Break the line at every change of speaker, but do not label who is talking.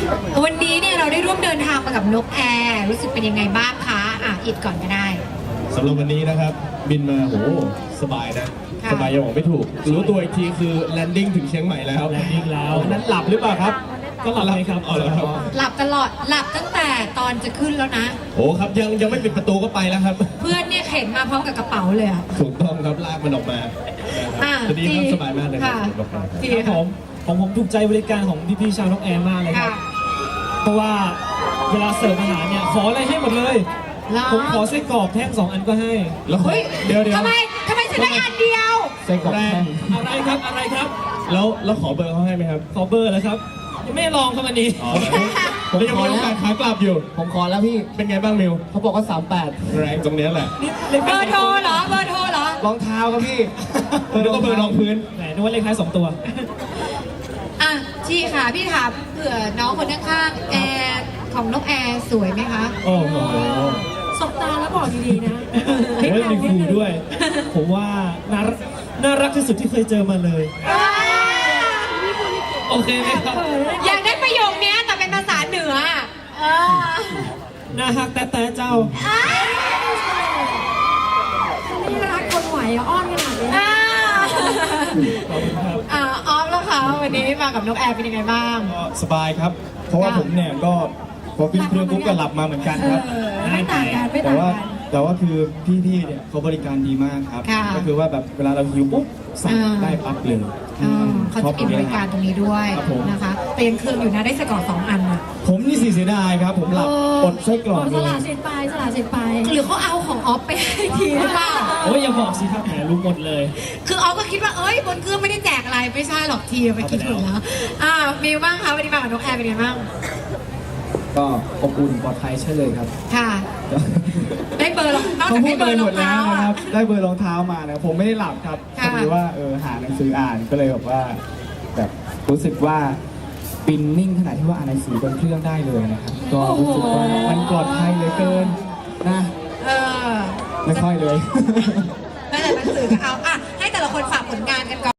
วันนี้เนี่ยเราได้ร่วมเดินทางมากับนกแอร์รู้สึกเป็นยังไงบ้างคะอิดก่อนก็ได้
สำหรับวันนี้นะครับบินมาโหสบายนะสบายยังบอกไม่ถูกรู้ตัวอีกทีคือแลนดิ้งถึงเชียงใหม่แล้วนั้นหลับหรือเปล่าครับก็หลับเลยครับ
หลับตลอดหลับตั้งแต่ตอนจะขึ้นแล้วนะ
โอ้ครับยังไม่ปิดประตูก็ไปแล้วครับ
เพื่อนเนี่ยเข็นมาพร้อมกับกระเป๋าเลยอ่ะ
ถูกต้องครับลากมันออกมาตอนนี้ก็สบายมากเลยครับ
ผมถูกใจบริการของพี่ๆชาวนกแอร์มากเลยครับเพราะว่าเวลาเสิร์ฟอาหารเนี่ยขออะไรให้หมดเลยผมขอไส้กรอกแท่ง2 อันก็ให้
แล้วเดี๋ยว
ทำไมฉันได้อันเดียว
ไส้กรอกแท่ง
อะไรครับ
แล้วขอเบอร์เขาให้ไหมครับ
ขอเบอร์แล้วครับยังไม่ลองครับอันนี้
ผมยังมีโอกาสขากลับอยู่
ผมขอแล้วพี่
เป็นไงบ้างมิว
เขาบอกว่า38
แรงตรงนี้แหละ
เบอร์โทรเหรอ
รองเท้าครับพี่
แล้วก็เบอร์รองพื้น
แหมนึกว่าเลขท้าย2 ตัว
ชีค่ะพี่ถามเผื่อน้องคนข้างๆแอร์ของนกแอร์สวยไหมคะ
โอ้โห
สบตาแล้วบอกดีๆนะ
มีครูด้วยผมว่าน่ารักที่สุดที่เคยเจอมาเลยโอเคไหมครับ
อยากได้ประโยคนี้แต่เป็นภาษาเหนือ
น่าฮักแต่เจ้า
ไม่รักคนไหวอ้อนขนาดนี้
ขอบคุณครับ
ออฟแล้วค่ะวันนี้มากับนกแอร์เป็นยังไงบ้าง
สบายครับเพราะว่าผมเนี่ยก็พอขึ้นเครื่องปุ๊บก็หลับมาเหมือนกันครับ
ไม่ต่างกัน
แต่ว่าคือพี่เนี่ยเขาบริการดีมากครับก็คือว่าแบบเวลาเราหิวปุ๊บสั่งได้ปั๊บเลย
เขาจะมีบริการตรงนี้ด้วยนะคะเปลี่ยนเครื่องอยู่นะได้ไส้กรอก2 อัน
ผมนี่เสียดายครับผมหลับอดไส้กรอก
เลยสละสิทธิ์ไปหรือเขาเอาของออฟไปให้ทีหรือเปล่า
โอ้ยอย่าบอกสิครับแหมรู้หมดเลย
คือออฟก็คิดว่าบนเครื่องไม่ได้แจกอะไรไม่ใช่หรอกทีไปคิดถูกแล้วมีบ้างคะวันนี้มากับนกแอร์เป็นไงบ้าง
ก็อบอุ่นปลอดภัยใช่เลยครับ
ค่ะได้เบอร์นอกจากได้เบอร์รองเท้า
นะครับได้เบอร์รองเท้ามานะผมไม่ได้หลับครับคือว่าหาหนังสืออ่านก็เลยแบบรู้สึกว่าปินนิ่งขนาดที่ว่าอ่านหนังสือบนเครื่องได้เลยนะครับก็รู้สึกว่ามันปลอดภัยเหลือเกินนะไม่ค่อยเลย
แต่หนังสือก็เอาให้แต่ละคนฝากผลงานกันก่อน